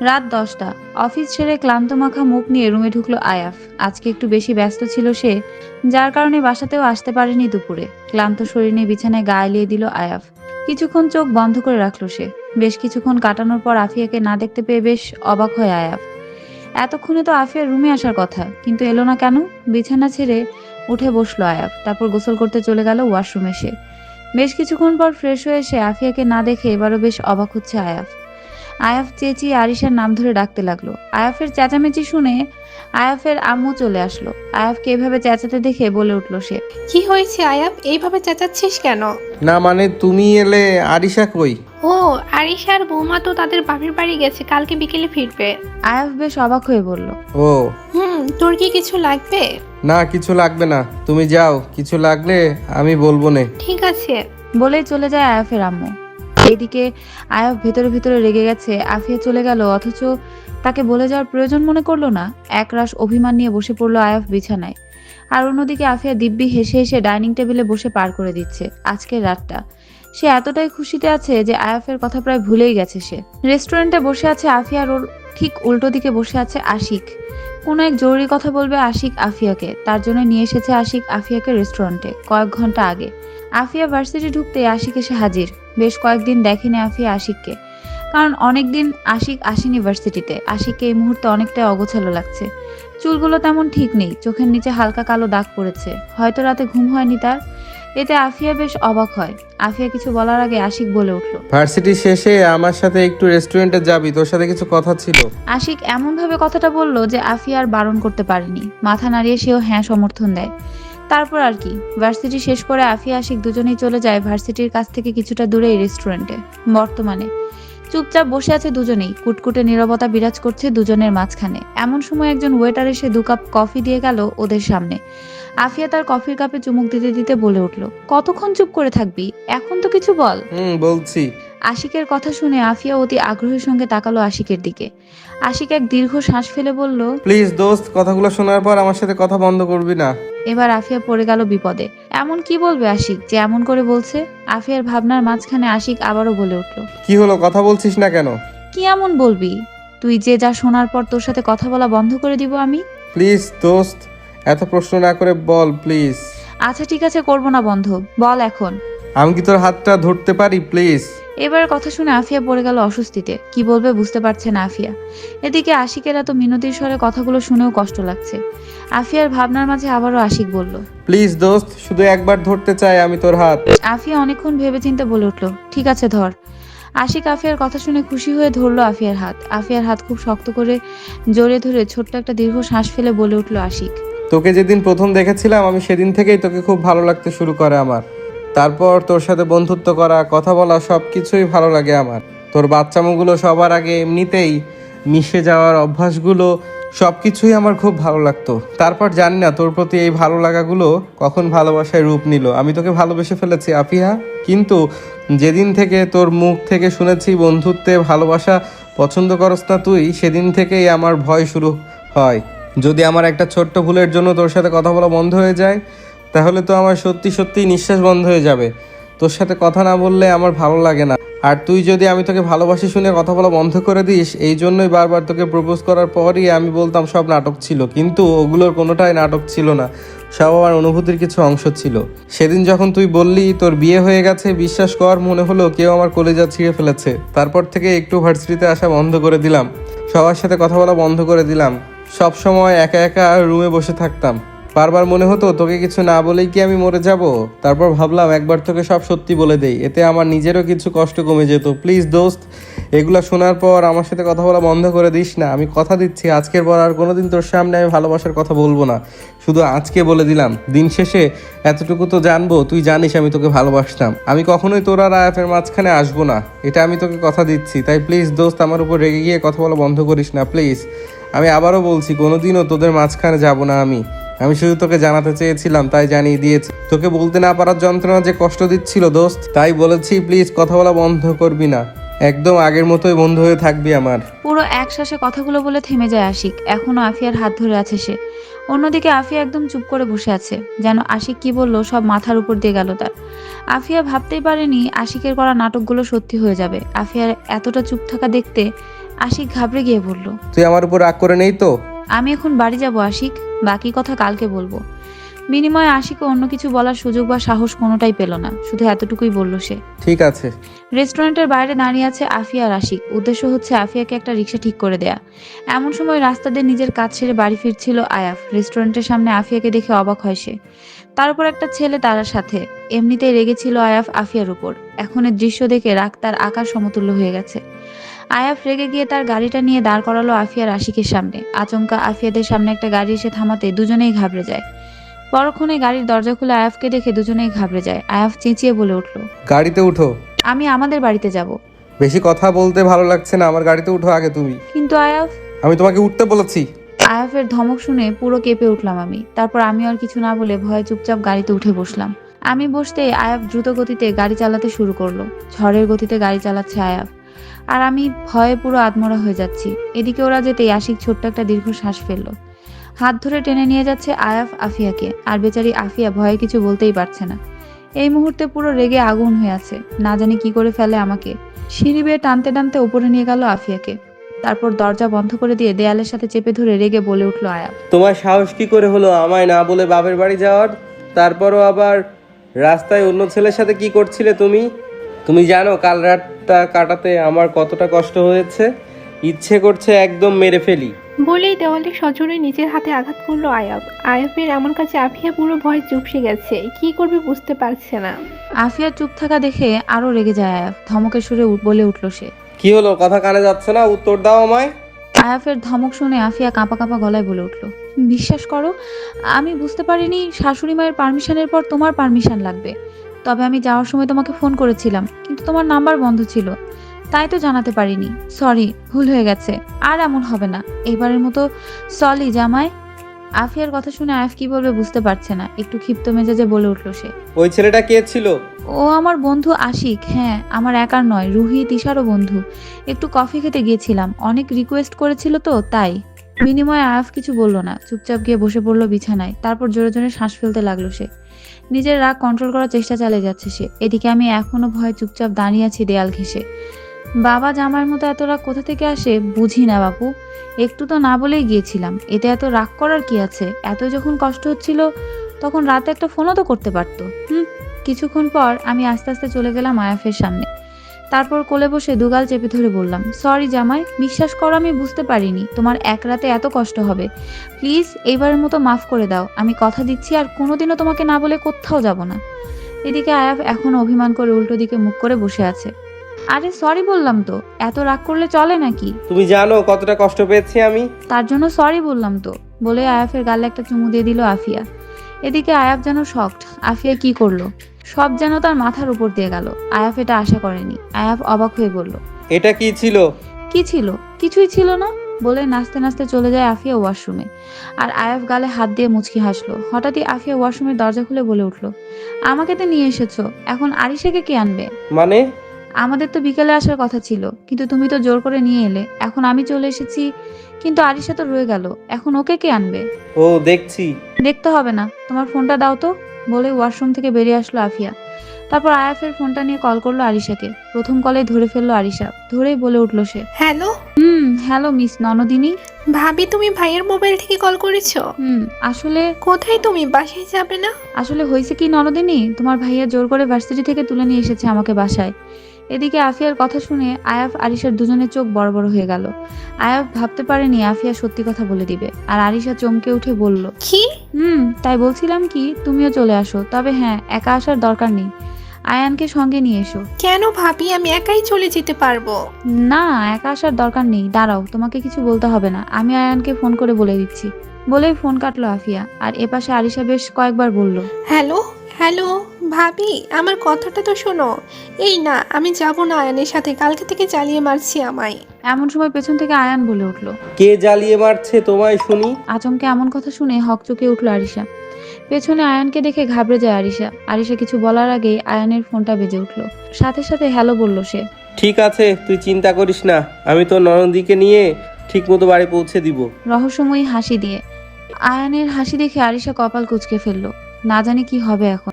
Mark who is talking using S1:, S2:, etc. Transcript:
S1: রাত 10টা। অফিস ছেড়ে ক্লান্ত মাখা মুখ নিয়ে রুমে ঢুকলো আয়াফ। আজকে একটু বেশি ব্যস্ত ছিল সে, যার কারণে বাসাতেও আসতে পারেনি দুপুরে। ক্লান্ত শরীর নিয়ে বিছানায় গা এলিয়ে দিল আয়াফ। কিছুক্ষণ চোখ বন্ধ করে রাখলো সে। বেশ কিছুক্ষণ কাটানোর পর আফিয়াকে না দেখতে পেয়ে বেশ অবাক হয় আয়াফ। এতক্ষণে তো আফিয়ার রুমে আসার কথা, কিন্তু এলো না কেন? বিছানা ছেড়ে উঠে বসলো আয়াফ। তারপর গোসল করতে চলে গেল ওয়াশরুমে সে। বেশ কিছুক্ষণ পর ফ্রেশ হয়ে এসে আফিয়াকে না দেখে এবারও বেশ অবাক হচ্ছে আয়াফ। আয়াফ চেঁচিয়ে আরিশার নাম ধরে ডাকতে লাগলো। আয়াফের চেঁচামেচি শুনে আয়াফের আম্মু চলে আসলো। আয়াফকে এভাবে চেঁচাতে দেখে বলে উঠল সে।
S2: কি হয়েছে আয়াব, এইভাবে চেঁচাচ্ছিস কেন?
S3: না মানে তুমি এলে, আরিশা কই?
S2: ও, আরিশার বৌমা তো তাদের বাপের বাড়ি গেছে, কালকে বিকেলে ফিরবে।
S1: আয়াফ বেশ অবাক হয়ে বলল।
S3: ও
S2: তোর কি কিছু লাগবে?
S3: না, কিছু লাগবে না, তুমি যাও, কিছু লাগলে আমি বলবো নে।
S2: ঠিক আছে।
S1: বলেই চলে যায় আয়াফের আম্মু। এদিকে আয়াফ ভেতরে ভেতরে রেগে গেছে। আফিয়া চলে গেল, অথচ তাকে বলে যাওয়ার প্রয়োজন মনে করলো না। একরাশ অভিমান নিয়ে বসে পড়লো আয়াফ বিছানায়। আর অন্যদিকে আফিয়া দিব্যি হেসে হেসে ডাইনিং টেবিলে বসে পার করে দিচ্ছে আজকের রাতটা। সে এতটাই খুশিতে আছে যে আয়াফের কথা প্রায় ভুলেই গেছে সে। রেস্টুরেন্টে বসে আছে আফিয়া, আর ওর ঠিক উল্টো দিকে বসে আছে আশিক। কোনো এক জরুরি কথা বলবে আশিক আফিয়াকে, তার জন্য নিয়ে এসেছে আশিক আফিয়াকে রেস্টুরেন্টে কয়েক ঘন্টা আগে। আফিয়া ভার্সিটি ঢুকতে আশিক এসে হাজির। বেশ কয়েকদিন দেখেনি আফিয়া আশিককে, কারণ অনেকদিন আশিক আসেনি ভার্সিটিতে। আশিককে এই মুহূর্তে অনেকটাই অগোছালো লাগছে। চুলগুলো তেমন ঠিক নেই, চোখের নিচে হালকা কালো দাগ পড়েছে। হয়তো রাতে ঘুম হয়নি তার। এতে আফিয়া বেশ অবাক হয়। আফিয়া কিছু বলার আগে আশিক বলে উঠল।
S3: ভার্সিটি শেষে আমার সাথে একটু রেস্টুরেন্টে যাবি, তোর সাথে কিছু কথা ছিল।
S1: আশিক এমন ভাবে কথাটা বলল যে আফিয়া আর বারণ করতে পারেনি। মাথা নাড়িয়ে সেও হ্যাঁ সমর্থন দেয়। তারপর আর কি, ভার্সিটি শেষ করে আফিয়া আশিক দুজনেই চলে যায় ভার্সিটির কাছ থেকে কিছুটা দূরে এই রেস্টুরেন্টে। বর্তমানে চুপচাপ বসে আছে দুজনেই। কুটকুটে নীরবতা বিরাজ করছে দুজনের মাঝখানে। এমন সময় একজন ওয়েটার এসে 2 কাপ কফি দিয়ে গেল ওদের সামনে। আফিয়া তার কফির কাপে চুমুক দিতে দিতে বলে উঠল, কতক্ষণ চুপ করে থাকবি, এখন তো কিছু বল।
S3: বলছি।
S1: আশিকের কথা শুনে আফিয়া অতি আগ্রহের সঙ্গে তাকালো আশিকের দিকে। আশিক এক দীর্ঘ শ্বাস ফেলে বলল,
S3: প্লিজ দোস্ত, কথাগুলো শোনার পর আমার সাথে কথা বন্ধ করবি না।
S1: এবার আফিয়া পড়ে গেল বিপদে। এমন কি বলবে আশিক যে এমন করে বলছে? আফিয়ার ভাবনার মাঝখানে আশিক আবারও বলে উঠল,
S3: কি হলো, কথা বলছিস না কেন?
S1: কি এমন বলবি তুই যে যা শোনার পর তোর সাথে কথা বলা বন্ধ করে দিব আমি?
S3: প্লিজ দোস্ত, এত প্রশ্ন না করে বল প্লিজ।
S1: আচ্ছা ঠিক আছে, করবো না বন্ধ, বল এখন।
S3: আমি কি তোর হাতটা ধরতে পারি প্লিজ?
S1: এবার কথা শুনে আফিয়া পড়ে গেল অস্বস্তিতে। কি বলবে বুঝতে পারছে না আফিয়া। এদিকে আশিকের এত মিনতির স্বরে কথাগুলো শুনেও কষ্ট লাগছে। আফিয়ার ভাবনার মাঝে আবারও আশিক বলল,
S3: প্লিজ দোস্ত, শুধু একবার ধরতে চাই আমি তোর হাত।
S1: আফিয়া অনেকক্ষণ ভেবেচিন্তে বলে উঠল, ঠিক আছে ধর। আশিক আফিয়ার কথা শুনে খুশি হয়ে ধরলো আফিয়ার হাত। আফিয়ার হাত খুব শক্ত করে জড়িয়ে ধরে ছোট্ট একটা দীর্ঘ শ্বাস ফেলে বলে উঠল আশিক,
S3: তোকে যেদিন প্রথম দেখেছিলাম আমি সেদিন থেকেই তোকে খুব ভালো লাগতে শুরু করে আমার। তারপর তোর সাথে বন্ধুত্ব করা, কথা বলা, সব কিছুই ভালো লাগে আমার। তোর বাচ্চামোগুলো সবার আগে এমনিতেই মিশে যাওয়ার অভ্যাসগুলো, সব কিছুই আমার খুব ভালো লাগতো। তারপর জানি না তোর প্রতি এই ভালো লাগাগুলো কখন ভালোবাসায় রূপ নিল। আমি তোকে ভালোবেসে ফেলেছি আফিয়া। কিন্তু যেদিন থেকে তোর মুখ থেকে শুনেছি বন্ধুত্বে ভালোবাসা পছন্দ করস না তুই, সেদিন থেকেই আমার ভয় শুরু হয়। যদি আমার একটা ছোট্ট ভুলের জন্য তোর সাথে কথা বলা বন্ধ হয়ে যায়, তাহলে তো আমার সত্যি সত্যিই নিঃশ্বাস বন্ধ হয়ে যাবে। তোর সাথে কথা না বললে আমার ভালো লাগে না। আর তুই যদি আমি তোকে ভালোবাসি শুনে কথা বলা বন্ধ করে দিস, এই জন্যই বারবার তোকে প্রপোজ করার পরই আমি বলতাম সব নাটক ছিল। কিন্তু ওগুলোর কোনোটাই নাটক ছিল না, সব আমার অনুভূতির কিছু অংশ ছিল। সেদিন যখন তুই বললি তোর বিয়ে হয়ে গেছে, বিশ্বাস কর মনে হলো কেউ আমার কলিজা ছিঁড়ে ফেলেছে। তারপর থেকে একটু ভার্সিটিতে আসা বন্ধ করে দিলাম, সবার সাথে কথা বলা বন্ধ করে দিলাম। সব সময় একা একা রুমে বসে থাকতাম। বারবার মনে হতো তোকে কিছু না বলেই কি আমি মরে যাব। তারপর ভাবলাম একবার তোকে সব সত্যি বলে দেই, এতে আমার নিজেরও কিছু কষ্ট কমে যেত। প্লিজ দোস্ত, এগুলা শোনার পর আমার সাথে কথা বলা বন্ধ করে দিস না। আমি কথা দিচ্ছি আজকের পর আর কোনোদিন তোর সামনে আমি ভালোবাসার কথা বলবো না। শুধু আজকে বলে দিলাম, দিন শেষে এতটুকু তো জানবো, তুই জানিস আমি তোকে ভালোবাসতাম। আমি কখনোই তোর আর আয়াফের মাঝখানে আসবো না, এটা আমি তোকে কথা দিচ্ছি। তাই প্লিজ দোস্ত, আমার উপর রেগে গিয়ে কথা বলা বন্ধ করিস না প্লিজ। আমি আবারও বলছি, কোনোদিনও তোদের মাঝখানে যাব না আমি শুধু তোকে জানাতে চেয়েছিলাম, তাই জানিয়ে দিয়েছি। তোকে বলতে না পারার যন্ত্রণা যে কষ্ট দিচ্ছিল দোস্ত, তাই বলেছি প্লিজ কথা বলা বন্ধ করবি না। একদম আগের মতোই বন্ধু হয়ে থাকবি আমার।
S1: পুরো এক শ্বাসে কথাগুলো বলে থেমে যায় আশিক। এখনো আফিয়ার হাত ধরে আছে সে। অন্যদিকে আফিয়া একদম চুপ করে বসে আছে, যেন আশিক কি বলল সব মাথার উপর দিয়ে গেল তার। আফিয়া ভাবতেই পারেনি আশিকের করা নাটকগুলো সত্যি হয়ে যাবে। আফিয়ার এতটা চুপ থাকা দেখতে আশিক ঘাবড়ে গিয়ে বলল,
S3: তুই আমার উপর রাগ করে নেই তো?
S1: আমি এখন বাড়ি যাব আশিক, বাকি কথা কালকে বলবো। বিনিময়ে আশিকও অন্য কিছু বলার সুযোগ বা সাহস কোনোটাই পেল না, শুধু এতটুকুই বলল সে।
S3: ঠিক আছে।
S1: রেস্টুরেন্টের বাইরে দাঁড়িয়ে আছে আফিয়া আর আশিক। উদ্দেশ্য হচ্ছে আফিয়াকে একটা রিক্সা ঠিক করে দেয়া। এমন সময় রাস্তা দিয়ে নিজের কাজ সেরে বাড়ি ফিরছিল আয়াফ। রেস্টুরেন্টের সামনে আফিয়াকে দেখে অবাক হয় সে। তার উপর একটা ছেলে তার সাথে। এমনিতেই রেগেছিল আয়াফ আফিয়ার উপর। এখন এর দৃশ্য দেখে রাগ তার আকাশ সমতুল্য হয়ে গেছে। আয়াফ রেগে গিয়ে তার গাড়িটা নিয়ে দাঁড় করালো আফিয়ার আশিকের সামনে। আচমকা আফিয়াদের সামনে একটা গাড়ি এসে থামাতে দুজনেই ঘাবড়ে যায়। পরক্ষণে গাড়ির দরজা খুলে আয়াফকে দেখে দুজনেই ঘাবড়ে যায়। আয়াফ চেঁচিয়ে বলে উঠল,
S3: গাড়িতে উঠো।
S1: আমি আমাদের বাড়িতে যাব।
S3: বেশি কথা বলতে ভালো লাগছে না, আমার গাড়িতে উঠো আগে তুমি।
S1: কিন্তু আয়াফ।
S3: আমি তোমাকে উঠতে বলেছি।
S1: আয়াফের ধমক শুনে পুরো কেঁপে উঠলাম আমি। তারপর আমি আর কিছু না বলে ভয়ে চুপচাপ গাড়িতে উঠে বসলাম। আমি বসতেই আয়াফ দ্রুত গতিতে গাড়ি চালাতে শুরু করলো। ঝড়ের গতিতে গাড়ি চালাচ্ছে আয়াফ, আর আমি ভয়ে পুরো আধমরা হয়ে যাচ্ছি। এদিকে ওরা যেতেই আশিক ছোট্ট একটা দীর্ঘ শ্বাস ফেললো। হাত ধরে টেনে নিয়ে যাচ্ছে আয়াফ আফিয়াকে, আর বেচারি আফিয়া ভয়ে কিছু বলতেই পারছে না। এই মুহূর্তে পুরো রেগে আগুন হয়ে আছে, না জানি কি করে ফেলে আমাকে। সিঁড়ি বেয়ে টানতে টানতে উপরে নিয়ে গেল আফিয়াকে। তারপর দরজা বন্ধ করে দিয়ে দেয়ালের সাথে চেপে ধরে রেগে বলে উঠল আয়াফ,
S3: তোমার সাহস কি করে হলো আমায় না বলে বাপের বাড়ি যাওয়ার? তারপরও আবার রাস্তায় অন্য ছেলের সাথে কি করছিলে তুমি? তুমি জানো কাল রাতটা কাটাতে আমার কতটা কষ্ট হয়েছে? ইচ্ছে করছে একদম মেরে ফেলি।
S2: বলেই দেওয়ালে সজোরে নিজের হাতে আঘাত করলো আয়াব। আয়াবের এমন কাছে আফিয়া পুরো ভয় চুপসে গেছে, কি করবে বুঝতে পারছে না।
S1: আফিয়া চুপ থাকা দেখে আরো রেগে যায় আয়াফ। ধমকের সুরে বলে উঠল সে,
S3: কি হলো, কথা কানে যাচ্ছে না? উত্তর দাও আমায়।
S1: আয়াফের ধমক শুনে আফিয়া কাঁপা কাঁপা গলায় বলে উঠল, বিশ্বাস করো, আমি বুঝতে পারিনি শাশুড়ি মায়ের পারমিশনের পর তোমার পারমিশন লাগবে। তবে আমি যাওয়ার সময় তোমাকে ফোন করেছিলাম, কিন্তু তোমার নাম্বার বন্ধ ছিল, তাই তো জানাতে পারিনি। সরি, ভুল হয়ে গেছে, আর এমন হবে না। এবারের মতো সরি জামাই। আফিয়ার কথা শুনে আয়াফ কি বলবে বুঝতে পারছে না। একটু ক্ষিপ্ত মেজাজে বলে উঠল সে,
S3: ওই ছেলেটা কে ছিল?
S1: ও আমার বন্ধু আশিক। হ্যাঁ, আমার একার নয়, রুহি তিশারও বন্ধু। একটু কফি খেতে গিয়েছিলাম, অনেক রিকোয়েস্ট করেছিল তো তাই। বিনিময়ে আয়াফ কিছু বলল না, চুপচাপ গিয়ে বসে পড়লো বিছানায়। তারপর জোরে জোরে শ্বাস ফেলতে লাগলো সে। নিজের রাগ কন্ট্রোল করার চেষ্টা চালিয়ে যাচ্ছে সে। এদিকে আমি এখনো ভয়ে চুপচাপ দাঁড়িয়ে আছি দেয়াল ঘেঁষে। বাবা জামাইয়ের মতো এত রাগ কোথা থেকে আসে বুঝি না বাপু। একটু তো না বলেই গিয়েছিলাম, এতে এত রাগ করার কি আছে? এত যখন কষ্ট হচ্ছিল তখন রাতে একটা ফোনও তো করতে পারতো। কিছুক্ষণ পর আমি আস্তে আস্তে চলে গেলাম আয়াফের সামনে। তারপর কোলে বসে দুগাল চেপে ধরে বললাম, সরি জামাই, বিশ্বাস করো আমি বুঝতে পারিনি তোমার এক রাতে এত কষ্ট হবে। প্লিজ এইবারের মতো মাফ করে দাও, আমি কথা দিচ্ছি আর কোনোদিনও তোমাকে না বলে কোথাও যাব না। এদিকে আয়াফ এখন অভিমান করে উল্টো দিকে মুখ করে বসে আছে। আরে সরি বললাম তো, এত রাগ করলে চলে নাকি?
S3: তুমি জানো কতটা কষ্ট পেয়েছি আমি?
S1: তার জন্য সরি বললাম তো, বলে আয়াফের গালে একটা চুমু দিয়ে দিল আফিয়া। এদিকে আয়াফ যেন শকড, আফিয়া কি করলো সব যেন তার মাথার উপর দিয়ে গেল। আয়াফ এটা আশা করেনি। আয়াফ অবাক হয়ে বলল,
S3: এটা কি ছিল?
S1: কি ছিল? কিছুই ছিল না, বলে নাচতে নাচতে চলে যায় আফিয়া ওয়াশরুমে। আর আয়াফ গালে হাত দিয়ে মুচকি হাসলো। হঠাৎই আফিয়া ওয়াশরুমের দরজা খুলে বলে উঠল, আমাকে তো নিয়ে এসেছো, এখন আরিশাকে কে আনবে?
S3: মানে?
S1: আমাদের তো বিকেলে আসার কথা ছিল, কিন্তু তুমি তো জোর করে নিয়ে এলে। এখন আমি চলে এসেছি, কিন্তু আরিশা তো রয়ে গেল, এখন ওকে কে আনবে?
S3: ও দেখছি।
S1: দেখতে হবে না, তোমার ফোনটা দাও তো, বলে ওয়াশরুম থেকে বেরিয়ে আসলো আফিয়া। তারপর আয়াফের ফোনটা নিয়ে কল করলো আরিশাকে। প্রথম কলে ধরে ফেললো আরিশা। ধরেই বলে উঠলো সে,
S2: হ্যালো
S1: হ্যালো মিস ননদিনী।
S2: ভাবি, তুমি ভাইয়ের মোবাইল থেকে কল করেছো?
S1: আসলে
S2: কোথায় তুমি? বাসায় যাবে না?
S1: আসলে হয়েছে কি ননদিনী, তোমার ভাইয়া জোর করে ভার্সিটি থেকে তুলে নিয়ে এসেছে আমাকে বাসায়। এদিকে আফিয়ার কথা শুনে আয়াফ আরিশার দুজনের চোখ বড় বড় হয়ে গেল। আয়াফ ভাবতে পারেনি আফিয়া সত্যি কথা বলে দিবে। আর আরিশা চমকে উঠে বলল,
S2: কি?
S1: তাই বলছিলাম কি তুমিও চলে আসো, তবে হ্যাঁ একা আসার দরকার নেই, আয়ানকে সঙ্গে নিয়ে এসো।
S2: কেন ভাবি, আমি একাই চলে যেতে পারবো।
S1: না, একা আসার দরকার নেই, দাঁড়াও, তোমাকে কিছু বলতে হবে না, আমি আয়ানকে ফোন করে বলে দিচ্ছি। বলেই ফোন কাটলো আফিয়া। আর এপাশে আরিশা বেশ কয়েকবার বলল,
S2: হ্যালো হ্যালো ভাবি, আমার কথাটা তো শোনো। এই না, আমি যাব না আয়ানের সাথে, কালকে থেকে চালিয়ে মারছি আমায়।
S1: এমন সময় পেছন থেকে আয়ান বলে উঠল।
S3: কে জ্বালিয়ে মারছে তোমায় শুনি?
S1: আচমকে এমন কথা শুনে হকচকে উঠল আরিশা। পেছনে আয়ানকে দেখে ঘাবড়ে যায় আরিশা। আরিশা কিছু বলার আগেই আয়ানের ফোনটা বেজে উঠল। সাথে সাথে হ্যালো বলল সে।
S3: ঠিক আছে, তুই চিন্তা করিস না, আমি তোর ননদিকে নিয়ে ঠিক মতো বাড়ি পৌঁছে দিব।
S1: রহস্যময়ী হাসি দিয়ে। আয়ানের হাসি দেখে আরিশা কপাল কুঁচকে ফেলল। না জানি কি হবে এখন।